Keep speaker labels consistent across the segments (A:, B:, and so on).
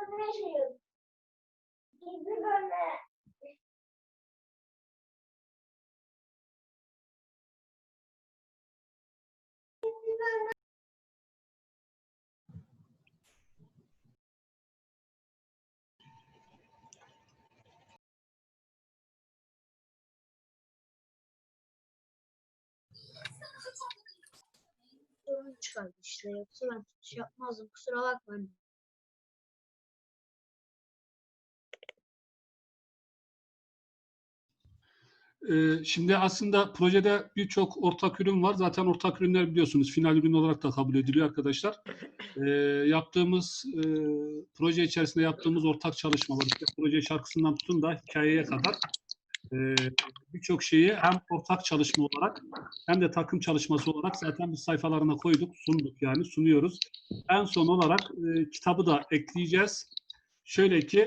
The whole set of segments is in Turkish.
A: Sorun çıkardı işte. Yoksa ben şey yapmazdım. Kusura bakmayın.
B: Şimdi aslında projede birçok ortak ürün var. Zaten ortak ürünler biliyorsunuz final ürün olarak da kabul ediliyor arkadaşlar. Yaptığımız proje içerisinde yaptığımız ortak çalışmalar, işte proje şarkısından tutun da hikayeye kadar birçok şeyi hem ortak çalışma olarak hem de takım çalışması olarak zaten biz sayfalarına koyduk, sunduk yani sunuyoruz. En son olarak kitabı da ekleyeceğiz. Şöyle ki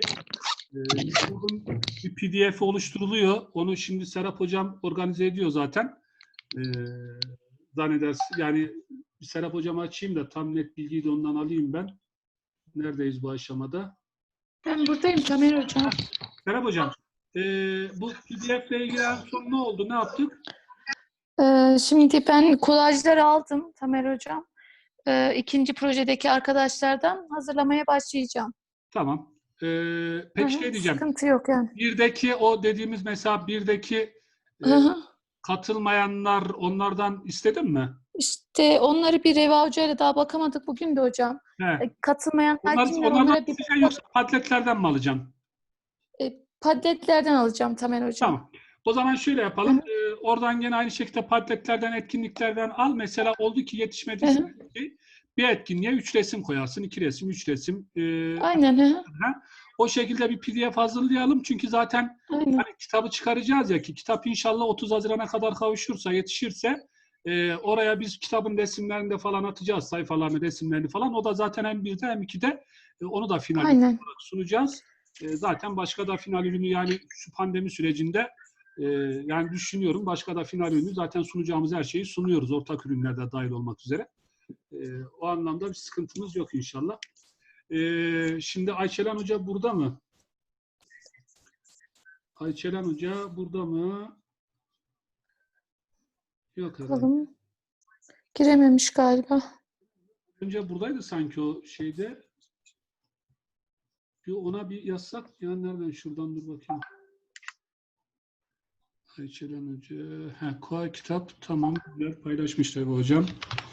B: bir PDF oluşturuluyor. Onu şimdi Serap Hocam organize ediyor zaten. Zannedersin. Yani Serap Hocam'ı açayım da tam net bilgiyi de ondan alayım ben. Neredeyiz bu aşamada?
C: Ben buradayım Tamer Hocam.
B: Serap Hocam, bu PDF ile ilgili en son ne oldu? Ne yaptık?
C: Şimdi ben kolajları aldım Tamer Hocam. İkinci projedeki arkadaşlardan hazırlamaya başlayacağım.
B: Tamam. Peki şey diyeceğim.
C: Sıkıntı yok yani.
B: Birdeki o dediğimiz mesela birdeki katılmayanlar onlardan istedin mi?
C: İşte onları bir Reva Hoca ile daha bakamadık bugün de hocam. Katılmayanlar kimler onlara bir
B: yoksa padletlerden mi alacağım?
C: Padletlerden alacağım Tamer Hocam.
B: Tamam. O zaman şöyle yapalım. Oradan gene aynı şekilde padletlerden, etkinliklerden al. Mesela oldu ki yetişmediyse bir etkinliğe 3 resim koyarsın. 2 resim, 3 resim.
C: Aynen.
B: O şekilde bir PDF hazırlayalım. Çünkü zaten hani kitabı çıkaracağız ya ki kitap inşallah 30 Haziran'a kadar kavuşursa, yetişirse oraya biz kitabın resimlerini de falan atacağız. Sayfalarını, resimlerini falan. O da zaten hem 1'de hem 2'de onu da final olarak sunacağız. Zaten başka da final ürünü yani şu pandemi sürecinde yani düşünüyorum başka da final ürünü zaten sunacağımız her şeyi sunuyoruz. Ortak ürünlerde dahil olmak üzere. O anlamda bir sıkıntımız yok inşallah. Şimdi Ayçelen Hoca burada mı? Ayçelen Hoca burada mı? Yok herhalde.
C: Girememiş galiba.
B: Önce buradaydı sanki o şeyde. Ona bir yazsak ya nereden şuradan dur bakayım. Ayçelen Hoca. Koa kitap tamam güzel paylaşmışlar bu hocam.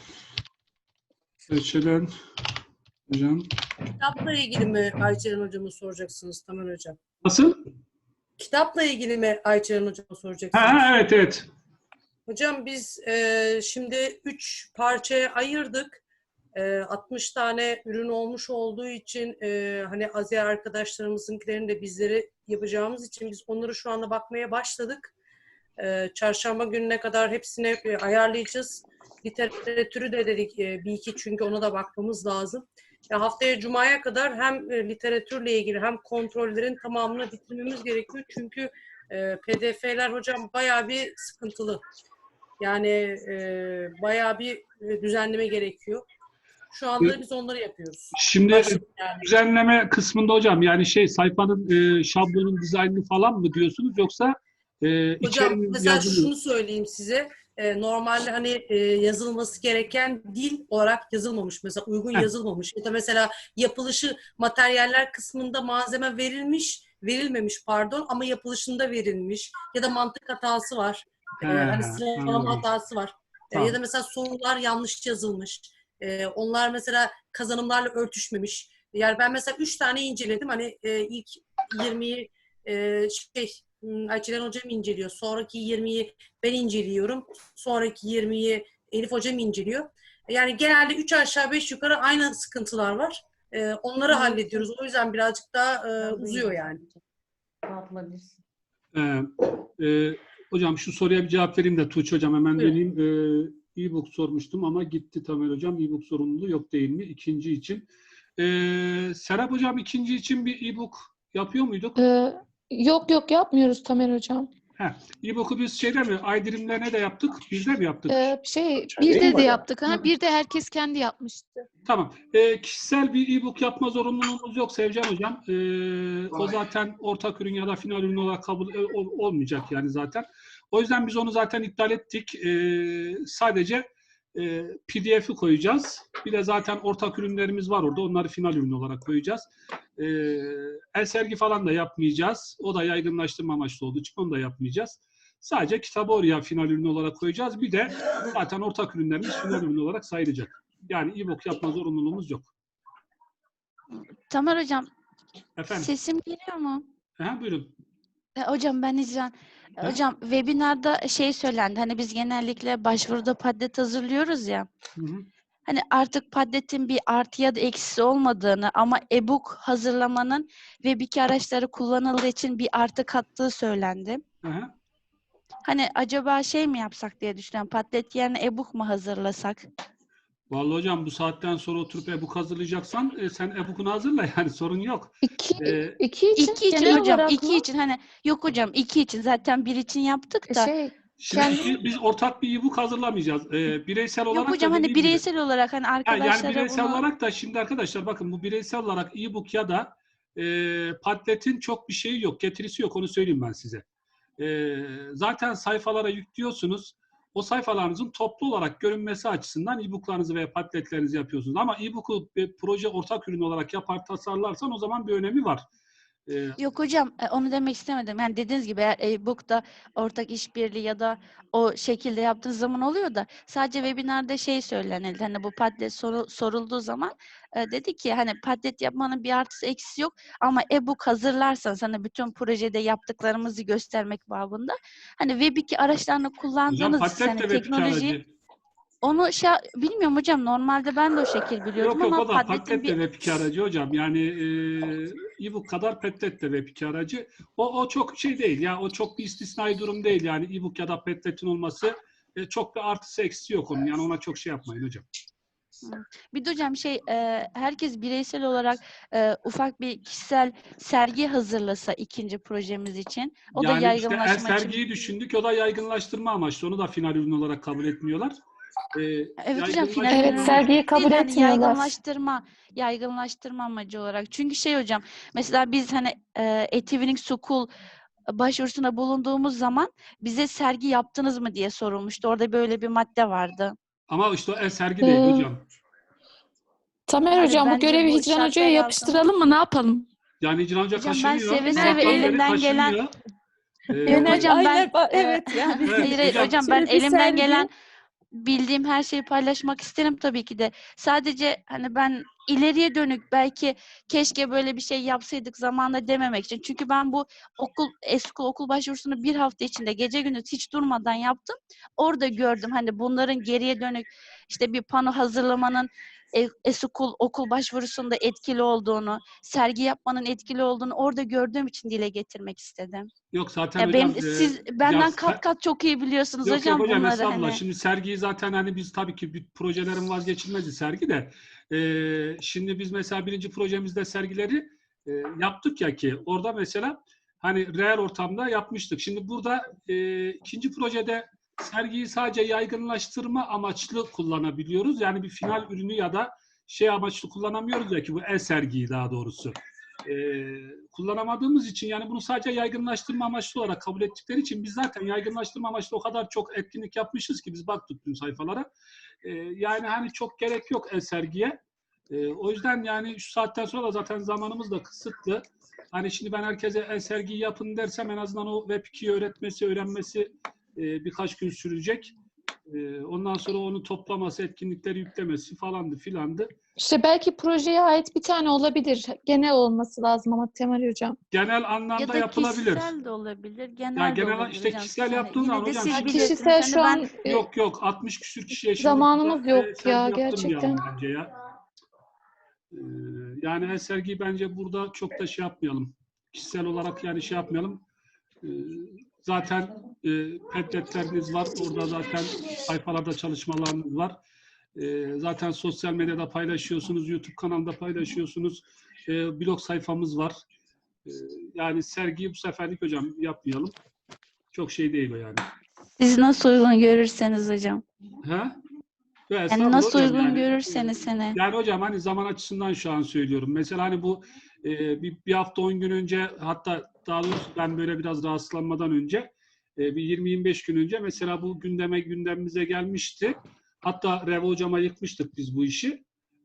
B: Ayçelen Hocam.
D: Kitapla ilgili mi Ayçelen Hocam'a soracaksınız Tamer Hocam?
B: Nasıl?
D: Kitapla ilgili mi Ayçelen Hocam'a soracaksınız?
B: Evet.
D: Hocam biz şimdi 3 parçaya ayırdık. 60 tane ürün olmuş olduğu için hani Aziye arkadaşlarımızınkilerini de bizleri yapacağımız için biz onları şu anda bakmaya başladık. Çarşamba gününe kadar hepsini ayarlayacağız. Literatürü de dedik bir iki çünkü ona da bakmamız lazım. Haftaya Cuma'ya kadar hem literatürle ilgili hem kontrollerin tamamını bitirmemiz gerekiyor. Çünkü PDF'ler hocam bayağı bir sıkıntılı. Yani bayağı bir düzenleme gerekiyor. Şu anda biz onları yapıyoruz.
B: Şimdi düzenleme kısmında hocam yani sayfanın şablonun dizaynını falan mı diyorsunuz yoksa
D: hocam mesela şunu söyleyeyim size. Normalde hani yazılması gereken dil olarak yazılmamış. Mesela uygun yazılmamış. Ya da mesela yapılışı materyaller kısmında malzeme verilmemiş pardon ama yapılışında verilmiş. Ya da mantık hatası var. Hani sıralama hatası var. Ya da mesela sorular yanlış yazılmış. Onlar mesela kazanımlarla örtüşmemiş. Yani ben mesela 3 tane inceledim. Hani ilk 20'yi Ayçelen Hocam inceliyor. Sonraki 20'yi ben inceliyorum. Sonraki 20'yi Elif Hocam inceliyor. Yani genelde 3 aşağı 5 yukarı aynı sıkıntılar var. Onları hallediyoruz. O yüzden birazcık daha uzuyor yani.
B: Hocam şu soruya bir cevap vereyim de Tuğçe Hocam hemen döneyim. E-book sormuştum ama gitti Tamer Hocam. E-book sorumluluğu yok değil mi? İkinci için. Serap Hocam ikinci için bir e-book yapıyor muyduk?
C: Yok yapmıyoruz Tamer Hocam.
B: E-book'u biz şeyde mi? Aydirimlerine de yaptık. Bizde mi yaptık?
C: Bir de yaptık. Bir de herkes kendi yapmıştı.
B: Tamam. Kişisel bir e-book yapma zorunluluğumuz yok Sevcan Hocam. O zaten ortak ürün ya da final ürün olarak kabul olmayacak yani zaten. O yüzden biz onu zaten iptal ettik. Sadece PDF'i koyacağız. Bir de zaten ortak ürünlerimiz var orada. Onları final ürün olarak koyacağız. El-sergi falan da yapmayacağız. O da yaygınlaştırma amaçlı olduğu için onu da yapmayacağız. Sadece kitabı oraya final ürün olarak koyacağız. Bir de zaten ortak ürünlerimiz final ürün olarak sayılacak. Yani e-book yapma zorunluluğumuz yok.
C: Tamer Hocam,
B: Efendim?
C: sesim geliyor mu?
B: Buyurun.
C: Hocam ben İcran. Hocam webinarda söylendi. Hani biz genellikle başvuruda Padlet hazırlıyoruz ya.
B: Hı hı.
C: Hani artık Padlet'in bir artı ya da eksisi olmadığını ama e-book hazırlamanın Web2 araçları kullanıldığı için bir artı kattığı söylendi.
B: Hı.
C: Hani acaba mi yapsak diye düşünüyorum. Padlet yerine e-book mu hazırlasak?
B: Vallahi hocam bu saatten sonra oturup e-book hazırlayacaksan sen e-book'unu hazırla yani sorun yok.
C: İki için hocam. İki için yok hocam 2 için zaten bir için yaptık da.
B: Şimdi biz ortak bir e-book hazırlamayacağız. Bireysel olarak
C: yok hocam bireysel olarak arkadaşlara
B: yani bireysel
C: bunu...
B: olarak da şimdi arkadaşlar bakın bu bireysel olarak e-book ya da Padlet'in çok bir şeyi yok. Getirisi yok onu söyleyeyim ben size. Zaten sayfalara yüklüyorsunuz. O sayfalarınızın toplu olarak görünmesi açısından e-booklarınızı veya Padlet'lerinizi yapıyorsunuz. Ama e-book'u proje ortak ürün olarak tasarlarsan o zaman bir önemi var.
C: Yok hocam onu demek istemedim. Yani dediğiniz gibi eğer e-book'ta ortak işbirliği ya da o şekilde yaptığınız zaman oluyor da sadece webinarda söylenildi. Hani bu Padlet sorulduğu zaman dedi ki Padlet yapmanın bir artısı eksisi yok ama e-book hazırlarsanız bütün projede yaptıklarımızı göstermek babında Web2 araçlarını kullandığınız
B: hocam, Padlet de
C: teknolojiyi onu bilmiyorum hocam. Normalde ben de o şekil biliyordum
B: yok,
C: ama
B: o da Padlet de Web2 aracı hocam. Yani e-book kadar Padlet de Web2 aracı. O çok değil ya. O çok bir istisnai durum değil. Yani e-book ya da Padlet'in olması çok bir artısı eksisi yok onun. Yani ona çok yapmayın hocam.
C: Bir de hocam herkes bireysel olarak ufak bir kişisel sergi hazırlasa ikinci projemiz için. O da yaygınlaşma için.
B: Sergiyi düşündük. O da yaygınlaştırma amaçlı. Onu da final ürün olarak kabul etmiyorlar.
C: Evet hocam
E: sergiyi kabul etmiyorlar.
C: Yaygınlaştırma amacı olarak. Çünkü hocam mesela biz Etivning School başvurusuna bulunduğumuz zaman bize sergi yaptınız mı diye sorulmuştu. Orada böyle bir madde vardı.
B: Ama işte o sergi değil hocam.
E: Tamer hocam bu görevi Hicran Hoca'ya yapıştıralım mı? Ne yapalım?
B: Yani Hicran Hoca
C: hocam
B: kaşınıyor.
C: Ben seve elimden gelen hocam ben
E: evet yani.
C: Hayır hocam ben elimden gelen bildiğim her şeyi paylaşmak isterim tabii ki de. Sadece ben ileriye dönük belki keşke böyle bir şey yapsaydık zamanında dememek için. Çünkü ben bu okul başvurusunu bir hafta içinde gece gündüz hiç durmadan yaptım. Orada gördüm bunların geriye dönük bir pano hazırlamanın okul başvurusunda etkili olduğunu, sergi yapmanın etkili olduğunu orada gördüğüm için dile getirmek istedim.
B: Yok zaten hocam.
C: Siz benden kat çok iyi biliyorsunuz hocam
B: hocam,
C: bunları.
B: Estağfurullah. Şimdi sergiyi zaten biz tabii ki bir projelerin vazgeçilmezi sergi de. Şimdi biz mesela birinci projemizde sergileri yaptık ya ki orada mesela real ortamda yapmıştık. Şimdi burada ikinci projede sergiyi sadece yaygınlaştırma amaçlı kullanabiliyoruz. Yani bir final ürünü ya da amaçlı kullanamıyoruz ya ki bu sergiyi daha doğrusu. Kullanamadığımız için yani bunu sadece yaygınlaştırma amaçlı olarak kabul ettikleri için biz zaten yaygınlaştırma amaçlı o kadar çok etkinlik yapmışız ki biz baktık tüm sayfalara. Yani çok gerek yok sergiye. O yüzden yani şu saatten sonra da zaten zamanımız da kısıtlı. Şimdi ben herkese sergiyi yapın dersem en azından o Web2'yi öğrenmesi birkaç gün sürecek. Ondan sonra onu toplaması, etkinlikleri yüklemesi falandı filandı.
E: Belki projeye ait bir tane olabilir. Genel olması lazım ama Tamer Hocam.
B: Genel anlamda
C: ya da
B: yapılabilir.
C: Kişisel de olabilir. Genel
B: de olabilir.
C: kişisel
B: yaptığın zaman hocam.
E: Kişisel şu an
B: yok 60 küsür kişiye
E: zamanımız yok ya gerçekten.
B: Bence ya. Yani sergiyi bence burada çok da yapmayalım. Kişisel olarak yani yapmayalım. Zaten Padlet'leriniz var. Orada zaten sayfalarda çalışmalarınız var. Zaten sosyal medyada paylaşıyorsunuz. YouTube kanalında paylaşıyorsunuz. Blog sayfamız var. Yani sergiyi bu seferlik hocam yapmayalım. Çok şey değil o yani.
C: Siz nasıl uygun görürseniz hocam.
B: Ha?
C: Yani nasıl uygun görürseniz hani.
B: Yani hocam hani zaman açısından şu an söylüyorum. Mesela hani bu bir hafta 10 gün önce, hatta daha doğrusu ben böyle biraz rahatsızlanmadan önce bir 20-25 gün önce mesela bu gündemimize gelmişti. Hatta Revo hocama yıkmıştık biz bu işi.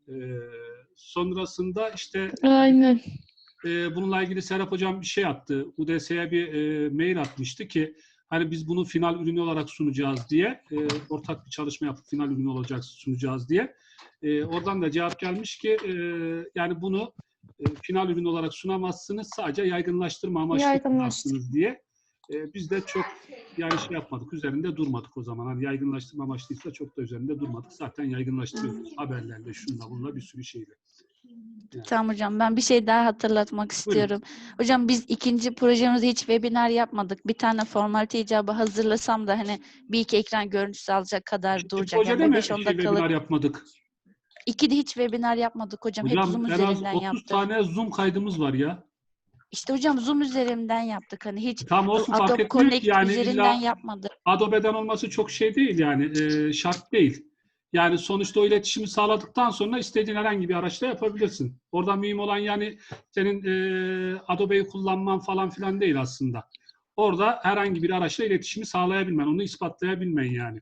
B: Sonrasında işte
E: Aynen.
B: bununla ilgili Serap hocam bir şey attı. UDS'ye bir mail atmıştı ki hani biz bunu final ürünü olarak sunacağız diye, ortak bir çalışma yapıp final ürünü olacak sunacağız diye. Oradan da cevap gelmiş ki yani bunu final ürünü olarak sunamazsınız, sadece yaygınlaştırma amaçlı sunarsınız diye. Biz de çok yani şey yapmadık, üzerinde durmadık o zaman. Hani yaygınlaştırma amaçlıysa çok da üzerinde durmadık. Zaten yaygınlaştırıyoruz haberlerle, şunla bununla, bir sürü şeyle. Yani.
C: Tamam hocam, ben bir şey daha hatırlatmak istiyorum. Buyurun. Hocam biz ikinci projemizde hiç webinar yapmadık. Bir tane formalite icabı hazırlasam da hani bir iki ekran görüntüsü alacak kadar duracak.
B: Projede
C: Yani
B: mi
C: 5-10 dakikalık.
B: webinar yapmadık?
C: İkide hiç webinar yapmadık hocam. Hep Zoom
B: en az
C: üzerinden
B: 30
C: yaptık.
B: tane Zoom kaydımız var ya.
C: İşte hocam Zoom üzerinden yaptık. Hani hiç
B: Tam olsun, fark
C: Adobe
B: etmiyor
C: Connect
B: ki yani
C: üzerinden
B: illa
C: yapmadık.
B: Adobe'den olması çok şey değil yani, şart değil. Yani sonuçta o iletişimi sağladıktan sonra istediğin herhangi bir araçla yapabilirsin. Orada mühim olan yani senin Adobe'yi kullanman falan filan değil aslında. Orada herhangi bir araçla iletişimi sağlayabilmen, onu ispatlayabilmen yani.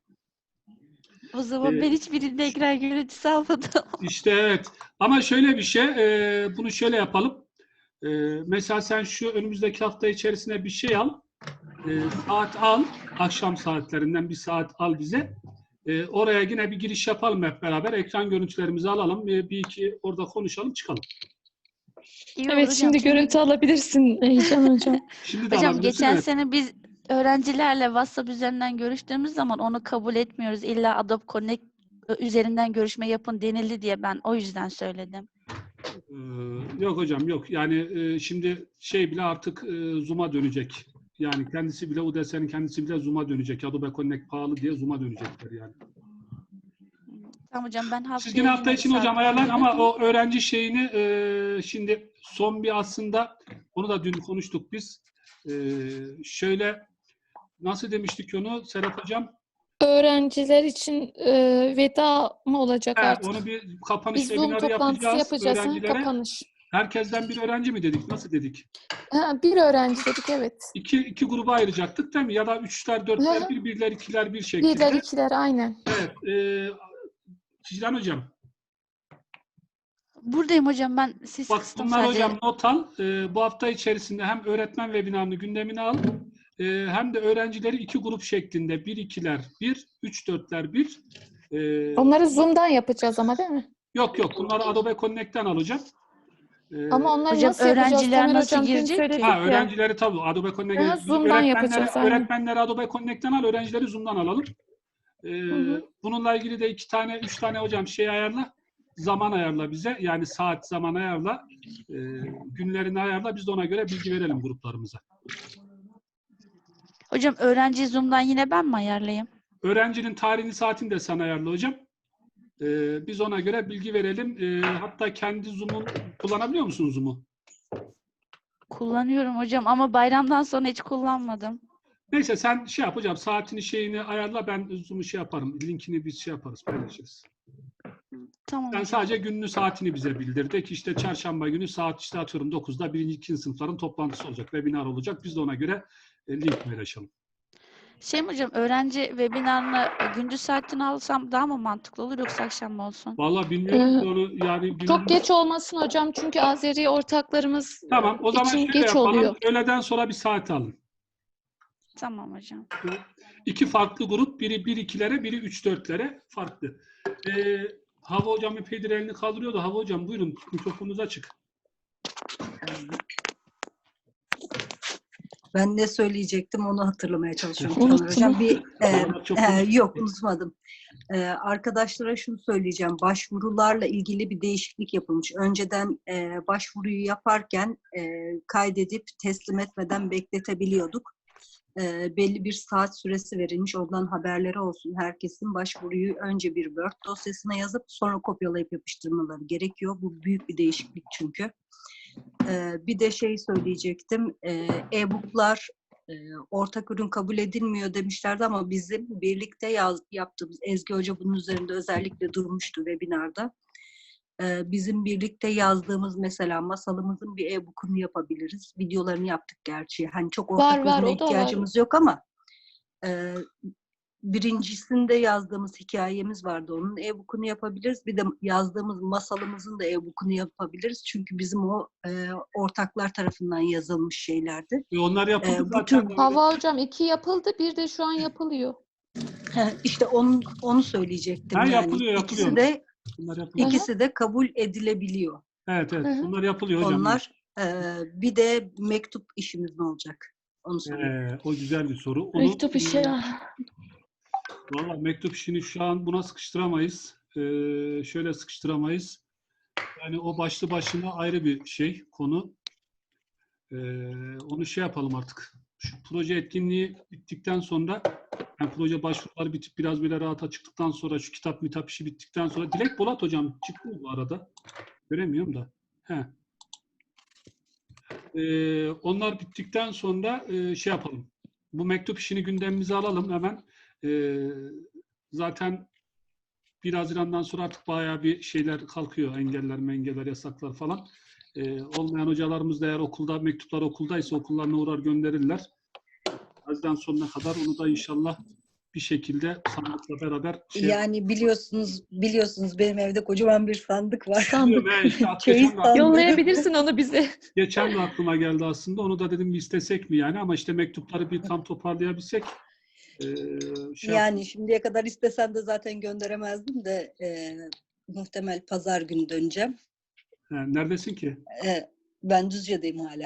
C: O zaman ben hiçbirinde ekran görüntüsü almadım.
B: İşte evet. Ama şöyle bir şey, bunu şöyle yapalım. Mesela sen şu önümüzdeki hafta içerisinde bir şey al. Saat al. Akşam saatlerinden bir saat al bize. Oraya yine bir giriş yapalım hep beraber. Ekran görüntülerimizi alalım. Bir iki orada konuşalım, çıkalım.
E: Evet, hocam, şimdi görüntü alabilirsin Heyecan hocam.
B: Şimdi de
C: hocam
B: alabilirsin.
C: geçen
B: Evet.
C: sene biz öğrencilerle WhatsApp üzerinden görüştüğümüz zaman onu kabul etmiyoruz. İlla Adobe Connect üzerinden görüşme yapın denildi diye ben o yüzden söyledim.
B: Yok hocam yok. Yani şimdi şey bile artık Zoom'a dönecek. Yani kendisi bile, UDS'nin kendisi bile Zoom'a dönecek. Adobe Connect pahalı diye Zoom'a dönecekler yani.
C: Tamam hocam, ben haftaya
B: Siz yine hafta için hocam ayarlayın ama o öğrenci şeyini şimdi son bir aslında onu da dün konuştuk biz. Şöyle nasıl demiştik onu Serap hocam?
E: Öğrenciler için veda mı olacak artık?
B: Onu bir kapanış
E: Biz Zoom
B: webinarı
E: toplantısı yapacağız.
B: öğrencilere.
E: Kapanış.
B: Herkesten bir öğrenci mi dedik? Nasıl dedik?
E: Bir öğrenci dedik, evet.
B: İki gruba ayıracaktık değil mi? Ya da üçler, dörtler, birler, ikiler bir şekilde.
E: Birler, ikiler, aynen.
B: Evet. Cicran hocam.
C: Buradayım hocam, ben siz
B: Bak
C: kıstım
B: bunlar
C: sadece.
B: hocam not al. Bu hafta içerisinde hem öğretmen webinarını gündemine al. Hem de öğrencileri iki grup şeklinde. 1-2'ler 1, 3-4'ler 1.
E: Onları Zoom'dan yapacağız ama değil mi?
B: Yok bunları Adobe Connect'ten alacağım.
E: Ama onları
C: hocam,
E: nasıl yapacağız?
C: öğrenciler
E: Tamer
C: nasıl
E: hocam dün
C: girecek
E: söyledik
C: ki?
E: ya.
B: Öğrencileri tabii Adobe Connect'ten.
E: Zoom'dan yapacağız.
B: Öğretmenleri Adobe Connect'ten al, öğrencileri Zoom'dan alalım. Bununla ilgili de 3 tane hocam şey ayarla. Zaman ayarla bize. Yani saat zaman ayarla. Günlerini ayarla. Biz de ona göre bilgi verelim gruplarımıza.
C: Hocam öğrenci Zoom'dan yine ben mi ayarlayayım?
B: Öğrencinin tarihini, saatini de sen ayarla hocam. Biz ona göre bilgi verelim. Hatta kendi Zoom'un kullanabiliyor musun Zoom'u?
C: Kullanıyorum hocam ama bayramdan sonra hiç kullanmadım.
B: Neyse sen şey yap hocam. Saatini şeyini ayarla. Ben Zoom'u şey yaparım. Linkini biz şey yaparız. Paylaşırız.
C: Tamam
B: Sen
C: hocam.
B: sadece gününü saatini bize bildirdik. İşte çarşamba günü saat işte atıyorum 9'da 1. 2. sınıfların toplantısı olacak. Webinar olacak. Biz de ona göre link paylaşalım.
C: Şey mi hocam, öğrenci webinarını gündüz saatini alsam daha mı mantıklı olur yoksa akşam mı olsun?
B: Vallahi bilmiyorum ki onu yani
E: Çok geç olmasın hocam çünkü Azeri ortaklarımız
B: Tamam, o zaman
E: için
B: şöyle
E: geç
B: yapalım.
E: oluyor.
B: Öğleden sonra bir saat alın.
C: Tamam hocam.
B: İki farklı grup. Biri 1-2'lere, biri 3-4'lere farklı. Hava hocam epeydir elini kaldırıyordu. Hava hocam buyurun, mikrofonunuz açık.
F: Ben ne söyleyecektim onu hatırlamaya çalışıyorum.
E: Unuttum.
F: Hocam yok
B: unuttum.
F: unutmadım. Arkadaşlara şunu söyleyeceğim. Başvurularla ilgili bir değişiklik yapılmış. Önceden başvuruyu yaparken kaydedip teslim etmeden bekletebiliyorduk. Belli bir saat süresi verilmiş. Ondan haberleri olsun. Herkesin başvuruyu önce bir Word dosyasına yazıp sonra kopyalayıp yapıştırmaları gerekiyor. Bu büyük bir değişiklik çünkü. Bir de şey söyleyecektim. E-booklar ortak ürün kabul edilmiyor demişlerdi ama bizim birlikte yaptığımız, Ezgi Hoca bunun üzerinde özellikle durmuştu webinarda. Bizim birlikte yazdığımız mesela masalımızın bir e-book'unu yapabiliriz. Videolarını yaptık gerçi. Hani çok ortak
E: Var,
F: ürüne
E: o da var.
F: ihtiyacımız yok ama birincisinde yazdığımız hikayemiz vardı. Onun e-book'unu yapabiliriz. Bir de yazdığımız masalımızın da e-book'unu yapabiliriz. Çünkü bizim o ortaklar tarafından yazılmış şeylerdi.
B: Onlar yapıldı
F: bu
B: zaten.
F: tür-
E: Hava hocam 2 yapıldı, bir de şu an yapılıyor.
F: İşte onu söyleyecektim.
B: Ha,
F: yani.
B: yapılıyor. Bunlar yapılıyor.
F: İkisi de kabul edilebiliyor.
B: Evet.
E: Hı hı.
B: Bunlar yapılıyor hocam.
F: Onlar bir de mektup işimiz ne olacak? Onu söyleyeyim.
B: O güzel bir soru. Onu,
E: Mektup işi.
B: Valla mektup işini şu an buna sıkıştıramayız. Şöyle sıkıştıramayız. Yani o başlı başına ayrı bir şey, konu. Onu şey yapalım artık. Şu proje etkinliği bittikten sonra, yani proje başvuruları bitip biraz böyle rahata çıktıktan sonra, şu kitap işi bittikten sonra, Dilek Polat hocam çıktı mı bu arada? Göremiyorum da. Onlar bittikten sonra şey yapalım. Bu mektup işini gündemimize alalım hemen. Zaten 1 Haziran'dan sonra artık bayağı bir şeyler kalkıyor. Engeller, yasaklar falan. Olmayan hocalarımız da eğer mektuplar okuldaysa okullarına uğrar gönderirler. Haziran sonuna kadar onu da inşallah bir şekilde sandıkla beraber
G: Yani biliyorsunuz benim evde kocaman bir sandık var.
B: Biliyorum, işte
G: Çeyiz sandığı.
E: Yollayabilirsin onu bize.
B: geçen de aklıma geldi aslında. Onu da dedim bir istesek mi yani, ama işte mektupları bir tam toparlayabilsek.
G: Yani şimdiye kadar istesem de zaten gönderemezdim de muhtemel pazar günü döneceğim.
B: Neredesin ki?
G: Ben Düzce'deyim hala.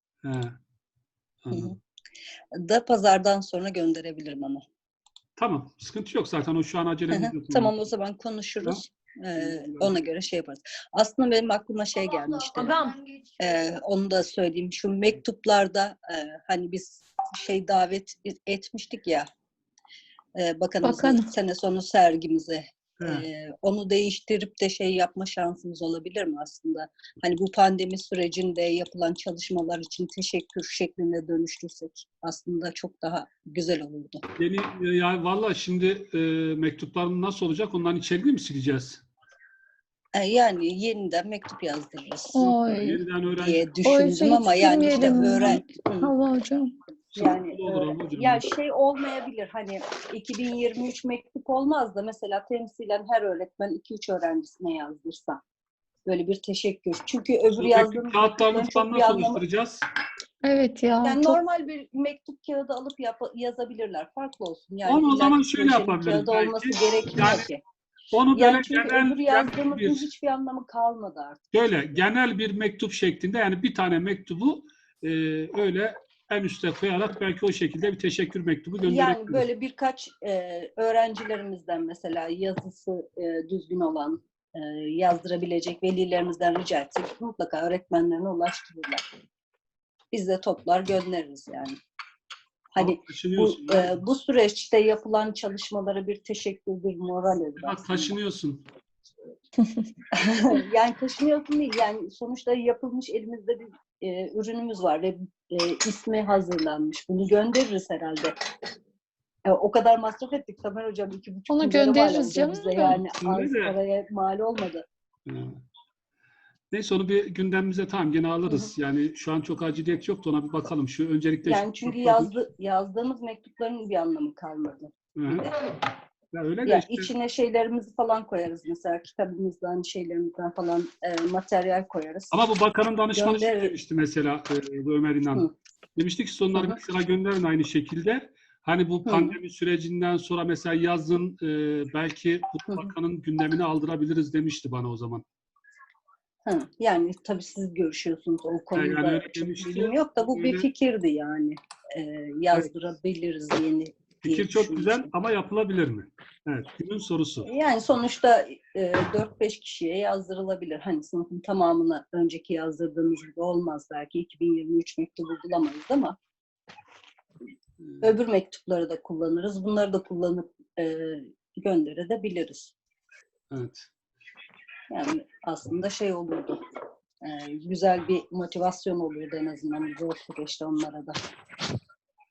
B: Anladım.
G: Da pazardan sonra gönderebilirim ama.
B: Tamam. Sıkıntı yok zaten. O şu an acelemiz yok.
G: Tamam, o zaman konuşuruz. Ona göre şey yaparız. Aslında benim aklıma şey gelmişti. Onu da söyleyeyim. Şu mektuplarda hani biz davet etmiştik ya, bakanımızın sene sonu sergimize. Onu değiştirip de yapma şansımız olabilir mi aslında? Hani bu pandemi sürecinde yapılan çalışmalar için teşekkür şeklinde dönüştürsek aslında çok daha güzel olurdu.
B: Ya valla şimdi mektupların nasıl olacak? Onların içeriğini mi sileceğiz?
G: Yani yeniden mektup yazdırırız
B: Yeniden
G: diye düşündüm ama yani işte
E: Hava hocam.
G: Yani şey olmayabilir, hani 2023 mektup olmaz da mesela temsilen her öğretmen 2-3 öğrencisine yazdırsa böyle bir teşekkür. Çünkü öbür yazdığımız
B: kağıtlarını falan nasıl oluşturacağız?
E: Evet ya.
G: Yani normal bir mektup kağıdı alıp yazabilirler. Farklı olsun. Yani
B: Onu o zaman
G: illaki
B: şöyle
G: projenin
B: yapabiliriz
G: kağıdı olması gerekmiyor ki.
B: Onu böyle
G: Yani çünkü öbür yazdığımızın hiçbir anlamı kalmadı artık.
B: Şöyle genel bir mektup şeklinde, yani bir tane mektubu öyle en üste koyarak belki o şekilde bir teşekkür mektubu gönderebiliriz.
G: Yani böyle birkaç öğrencilerimizden mesela yazısı düzgün olan yazdırabilecek velilerimizden rica etsek mutlaka öğretmenlerine ulaştırırlar. Biz de toplar göndeririz yani. Hani bu süreçte yapılan çalışmalara bir teşekkür, bir moral olur aslında.
B: Taşınıyorsun.
G: Yani taşınıyorsun değil. Yani sonuçta yapılmış, elimizde bir ürünümüz var ve ismi hazırlanmış. Bunu göndeririz herhalde. O kadar masraf ettik Tamer Hocam. 2,5
E: Onu göndeririz canım.
G: Yani az paraya mal olmadı.
B: Neyse onu bir gündemimize gene alırız. Yani şu an çok aciliyet yoktu, ona bir bakalım. Şu öncelikle
G: yani çünkü yazdığımız mektupların bir anlamı kalmadı.
B: Ya öyle de
G: ya
B: işte.
G: İçine şeylerimizi falan koyarız mesela, kitabımızdan, şeylerimizden falan materyal koyarız.
B: Ama bu bakanın danışmanı şey demişti mesela, bu Ömer İnan. Demişti ki sonları mesela gönderin aynı şekilde. Hani bu pandemi sürecinden sonra mesela yazın belki bu bakanın gündemini aldırabiliriz demişti bana o zaman.
G: Yani tabii siz görüşüyorsunuz o konuda.
B: Yani
G: çok bilgim yok da bu bir fikirdi yani. Yazdırabiliriz yeni.
B: Fikir çok güzel ama yapılabilir mi? Evet, günün sorusu.
G: Yani sonuçta 4-5 kişiye yazdırılabilir. Hani sınıfın tamamına önceki yazdırdığımız gibi olmaz belki. 2023 mektubu bulamayız ama öbür mektupları da kullanırız. Bunları da kullanıp gönderebiliriz.
B: Evet.
G: Yani aslında şey olurdu. Güzel bir motivasyon olurdu en azından zor süreçte onlara da.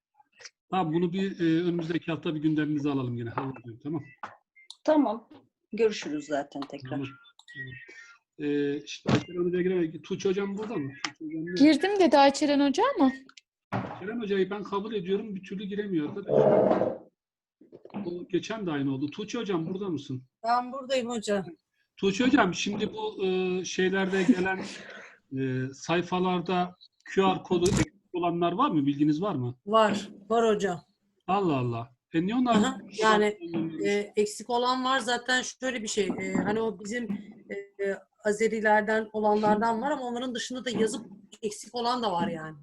B: Tamam, bunu bir önümüzdeki hafta bir gündemimize alalım yine. Tamam.
G: Tamam. Görüşürüz zaten tekrar.
B: Tamam. İşte Ayçeren Hoca'ya giremedik. Tuğçe Hocam burada mı? Tuğçe Hocam yok.
E: Girdim dedi Ayçeren Hoca ama.
B: Kerem Hoca'yı ben kabul ediyorum. Bir türlü giremiyor arkadaşlar. O geçen de aynı oldu. Tuğçe Hocam burada mısın?
D: Ben buradayım hocam.
B: Tuğçe Hocam şimdi bu şeylerde gelen sayfalarda QR kodu eksik olanlar var mı? Bilginiz var mı?
D: Var hocam.
B: Allah Allah. Niye onlar?
D: Aha, yani eksik olan var zaten şöyle bir şey. Hani o bizim Azerilerden olanlardan var ama onların dışında da yazıp eksik olan da var yani.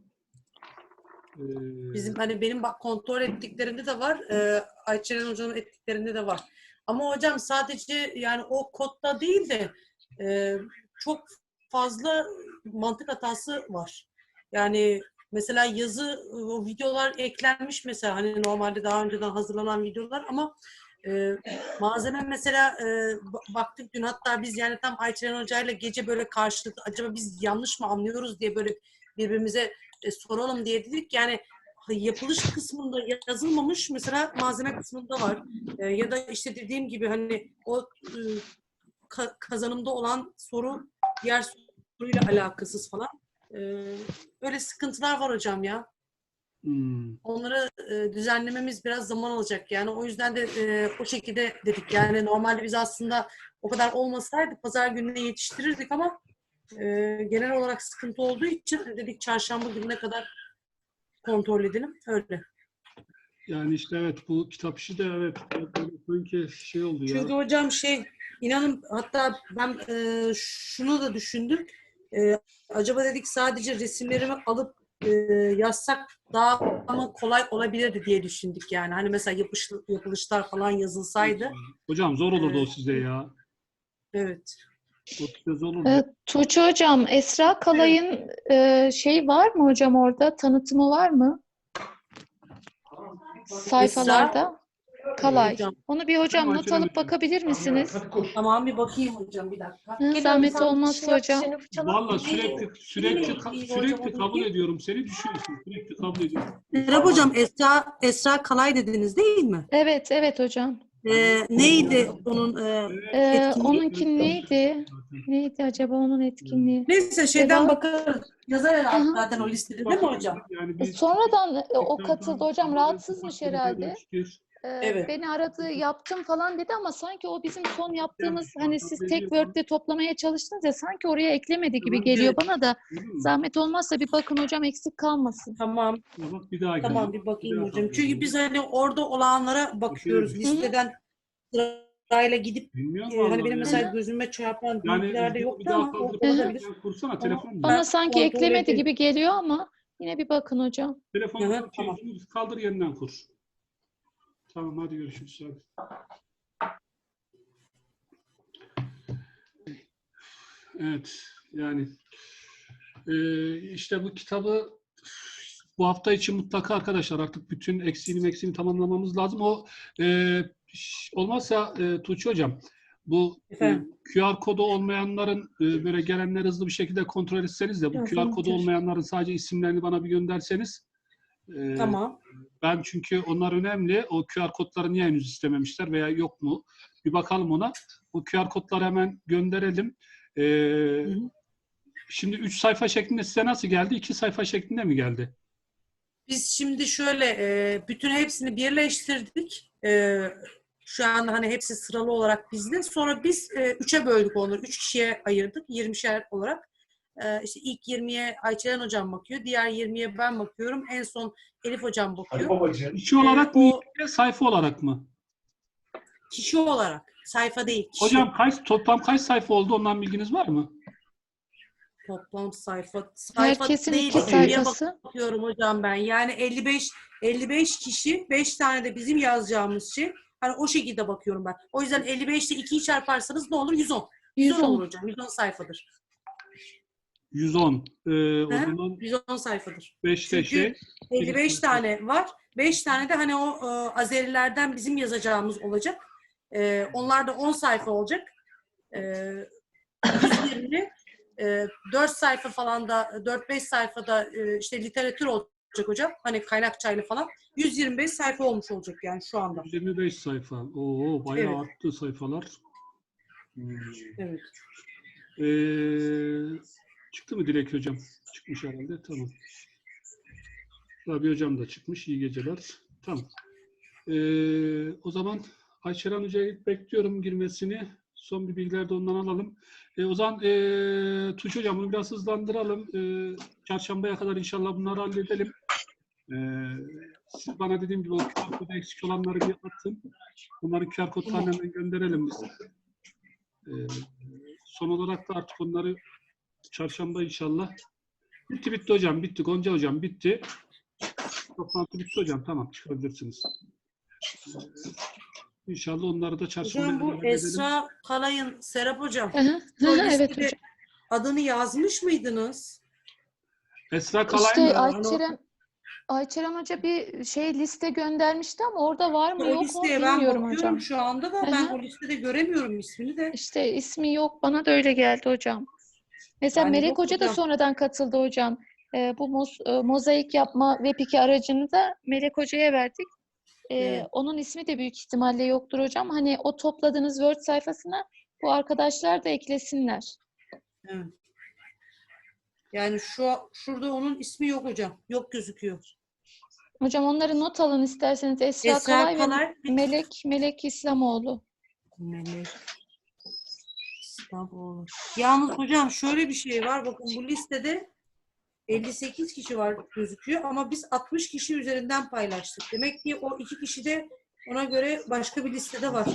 D: Bizim hani benim kontrol ettiklerinde de var. Ayçeren Hoca'nın ettiklerinde de var. Ama hocam sadece yani o kodda değil de çok fazla mantık hatası var. Yani mesela yazı, o videolar eklenmiş mesela hani normalde daha önceden hazırlanan videolar ama malzeme mesela baktık dün hatta biz yani tam Ayçeren Hoca'yla gece böyle karşılıklı acaba biz yanlış mı anlıyoruz diye böyle birbirimize soralım diye dedik. Yani yapılış kısmında yazılmamış mesela malzeme kısmında var. Ya da işte dediğim gibi hani o kazanımda olan soru diğer soruyla alakasız falan. Böyle sıkıntılar var hocam ya. Onları düzenlememiz biraz zaman alacak. Yani o yüzden de o şekilde dedik. Yani normalde biz aslında o kadar olmasaydı pazar gününe yetiştirirdik ama genel olarak sıkıntı olduğu için dedik çarşamba gününe kadar kontrol edelim. Öyle.
B: Yani işte evet bu kitap işi de evet sanki şey oldu ya.
D: Çünkü hocam inanın hatta ben şunu da düşündüm. Acaba dedik sadece resimlerimi alıp yazsak daha ama kolay olabilirdi diye düşündük yani. Hani mesela yapılışlar falan yazılsaydı.
B: Hocam zor olurdu o size ya.
D: Evet.
B: O size zor olurdu.
E: Tuğçe Hocam, Esra Kalay'ın şey var mı hocam orada? Tanıtımı var mı? Sayfalarda. Kalay.
D: Hocam.
E: Onu bir hocam not
B: Ayçeren
E: alıp
B: Hocam.
E: bakabilir misiniz?
D: Tamam bir bakayım hocam bir dakika.
E: Hı, zahmet olmazsa hocam.
B: Vallahi sürekli kabul ediyorum. Seni düşüyorsun. Sürekli kabul ediyorum.
D: Serap hocam Esra Kalay dediniz değil mi?
E: Evet, evet hocam.
D: Neydi onun etkinliği?
E: Onunki neydi? Neydi acaba onun etkinliği?
D: Neyse şeyden
E: Devam.
D: bakarız. Yazar herhalde
E: Hı hı.
D: zaten o listede değil mi hocam?
B: Yani bir-
E: Sonradan o katıldı hocam. Rahatsızmış herhalde.
B: Görüştür.
D: Evet.
E: Beni aradı, yaptım falan dedi ama sanki o bizim son yaptığımız hani siz tek Word'de toplamaya çalıştınız ya sanki oraya eklemedi gibi geliyor
D: Evet.
E: bana da.
B: Anladın mı?
E: Zahmet olmazsa bir bakın hocam eksik kalmasın.
D: Tamam.
B: Ya bak bir daha
D: Tamam
B: gidelim.
D: bir bakayım
B: daha
D: hocam.
B: kabul
D: Çünkü
B: edelim.
D: biz hani orada olanlara bakıyoruz.
B: Hı hı.
D: Listeden sırayla gidip
B: Bilmiyorum
D: hani
B: vallahi
D: benim
B: ya.
D: mesela gözüme çarpan
B: Yani
D: bilgilerde
B: bir
D: yoktu
B: daha
D: ama
B: kaldırıp
D: olabilir.
B: kursana telefon.
E: Bana
D: Ben
E: sanki
D: kontrol
E: eklemedi
D: edeyim.
E: gibi geliyor ama yine bir bakın hocam.
B: Telefonu
D: Hı hı, tamam.
B: kaldır yeniden kur. Tamam hadi görüşürüz. Hadi. Evet yani işte bu kitabı bu hafta için mutlaka arkadaşlar artık bütün eksiğini tamamlamamız lazım. O olmazsa Tuğçe Hocam bu
D: Efendim?
B: QR kodu olmayanların böyle gelenleri hızlı bir şekilde kontrol etseniz de bu
E: Biraz
B: QR kodu
E: unutur.
B: olmayanların sadece isimlerini bana bir gönderseniz
D: Tamam.
B: ben çünkü onlar önemli. O QR kodları niye henüz istememişler veya yok mu? Bir bakalım ona. O QR kodları hemen gönderelim.
D: Hı hı.
B: Şimdi 3 sayfa şeklinde size nasıl geldi? 2 sayfa şeklinde mi geldi?
D: Biz şimdi şöyle bütün hepsini birleştirdik. Şu anda hani hepsi sıralı olarak bizde. Sonra biz 3'e böldük onları. 3 kişiye ayırdık. 20'şer olarak. İşte ilk 20'ye Ayçelen hocam bakıyor. Diğer 20'ye ben bakıyorum. En son Elif hocam bakıyor.
B: Kişi olarak mı?
D: o
B: Sayfa olarak mı?
D: kişi olarak. Sayfa değil. Kişi.
B: Hocam toplam kaç sayfa oldu? Ondan bilginiz var mı?
D: Toplam sayfa
E: Herkesin
D: değil.
E: 2 sayfası.
D: Bakıyorum hocam ben. Yani 55 kişi, 5 tane de bizim yazacağımız şey. Hani o şekilde bakıyorum ben. O yüzden 55 ile 2'yi çarparsanız ne olur? 110. 110 olur hocam. 110 sayfadır.
B: 110. O
D: He?
B: zaman
D: 110 sayfadır.
B: 5'te
D: Çünkü 55 tane var. 5 tane de hani o Azerilerden bizim yazacağımız olacak. Onlar da 10 sayfa olacak. 120 4 sayfa falan da 4-5 sayfada işte literatür olacak. hocam. Hani kaynakçayla falan. 125 sayfa olmuş olacak yani şu anda.
B: 25 sayfa. Oo, bayağı
D: Evet.
B: arttı sayfalar.
D: Evet.
B: Çıktı mı Dilek hocam? Çıkmış herhalde. Tamam. Rabia hocam da çıkmış. İyi geceler. Tamam. O zaman Ayşeren Hoca'yı bekliyorum girmesini. Son bir bilgiler de ondan alalım. O zaman Tuğçe Hocam bunu biraz hızlandıralım. Çarşambaya kadar inşallah bunları halledelim. Siz bana dediğim gibi o QR kodu eksik olanları bir atın. Bunları QR kodlarına hemen gönderelim biz. Son olarak da artık onları çarşamba inşallah. Bitti hocam. Bitti. Gonca hocam bitti. Toplantı bitti hocam. Tamam çıkabilirsiniz. İnşallah onları da çarşamba
D: Hocam bu
B: halledelim.
D: Esra Kalay'ın, Serap hocam.
E: Hı hı.
D: o
E: Hı hı, evet
D: listede
E: hocam.
D: adını yazmış mıydınız?
B: Esra Kalay
E: İşte
B: mı?
E: Ayçeren Hoca bir liste göndermişti ama orada var mı
D: O
E: yok mu
D: listeye ben
E: bilmiyorum
D: bakıyorum
E: hocam.
D: şu anda da
E: Hı
D: ben
E: hı.
D: o listede göremiyorum ismini de.
E: İşte ismi yok. Bana da öyle geldi hocam. Mesela
D: Yani
E: Melek
D: yok
E: Hoca da
D: hocam.
E: sonradan katıldı hocam. Bu mozaik yapma Web2 aracını da Melek Hoca'ya verdik.
D: Evet.
E: Onun ismi de büyük ihtimalle yoktur hocam. Hani o topladığınız Word sayfasına bu arkadaşlar da eklesinler.
D: Evet. Yani şurada onun ismi yok hocam. Yok gözüküyor.
E: Hocam onları not alın isterseniz. Esra
D: Esra
E: Kalay ve
D: Kalay.
E: Melek İslamoğlu.
D: Melek İslamoğlu. Yalnız hocam şöyle bir şey var. Bakın bu listede 58 kişi var gözüküyor ama biz 60 kişi üzerinden paylaştık. Demek ki o 2 kişi de ona göre başka bir listede var.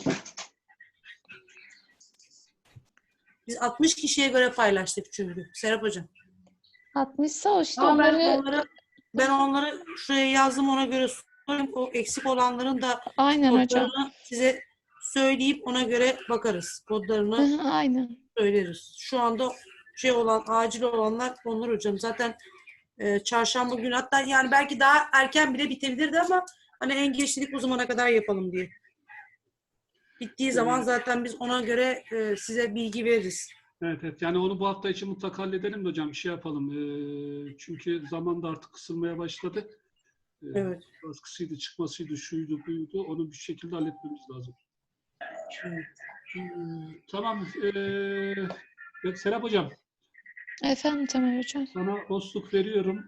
D: Biz 60 kişiye göre paylaştık çünkü Serap hocam.
E: 60'sa o işte
D: Ama
E: onları
D: ben onları şuraya yazdım, ona göre sorayım. O eksik olanların da
E: aynen hocam.
D: kodlarını size söyleyip ona göre bakarız.
E: Hı
D: Kodlarını
E: hı, aynen.
D: söyleriz. Şu anda acil olanlar onlar hocam. Zaten çarşamba günü, hatta yani belki daha erken bile bitebilirdi ama hani en geç dedik o zamana kadar yapalım diye. Bittiği zaman zaten biz ona göre size bilgi veririz.
B: Evet. Yani onu bu hafta için mutlaka halledelim de hocam. Bir şey yapalım. Çünkü zaman da artık kısılmaya başladı.
D: Evet.
B: Baskısıydı, çıkmasıydı, şuydu, buydu. Onu bir şekilde halletmemiz lazım.
D: Evet.
B: Tamam. Serap hocam.
E: Efendim Temel hocam.
B: Sana hosluk veriyorum.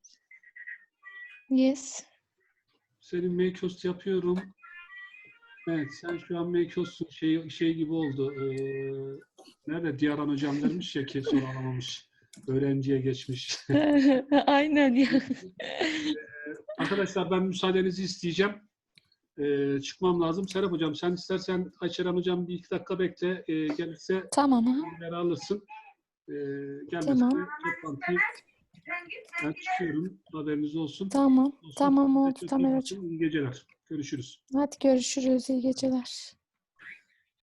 E: Yes.
B: Senin make-host yapıyorum. Evet, sen şu an make-host'un şey gibi oldu. Nerede? Diyaran hocam vermiş ya ki soru alamamış. Öğrenciye geçmiş.
E: Aynen ya.
B: Arkadaşlar ben müsaadenizi isteyeceğim. Çıkmam lazım. Serap hocam sen istersen Ayşeren hocam bir iki dakika bekle. Gelirse
E: Tamam ha.
B: bilgileri alırsın. Gelmezse
E: Tamam.
B: toplantıyı ben çıkıyorum. Haberiniz olsun.
E: Tamam. Tamam
B: Size
E: oldu
B: çok iyi
E: Temel
B: bakın.
E: hocam.
B: İyi geceler. Görüşürüz.
E: Hadi görüşürüz. İyi geceler.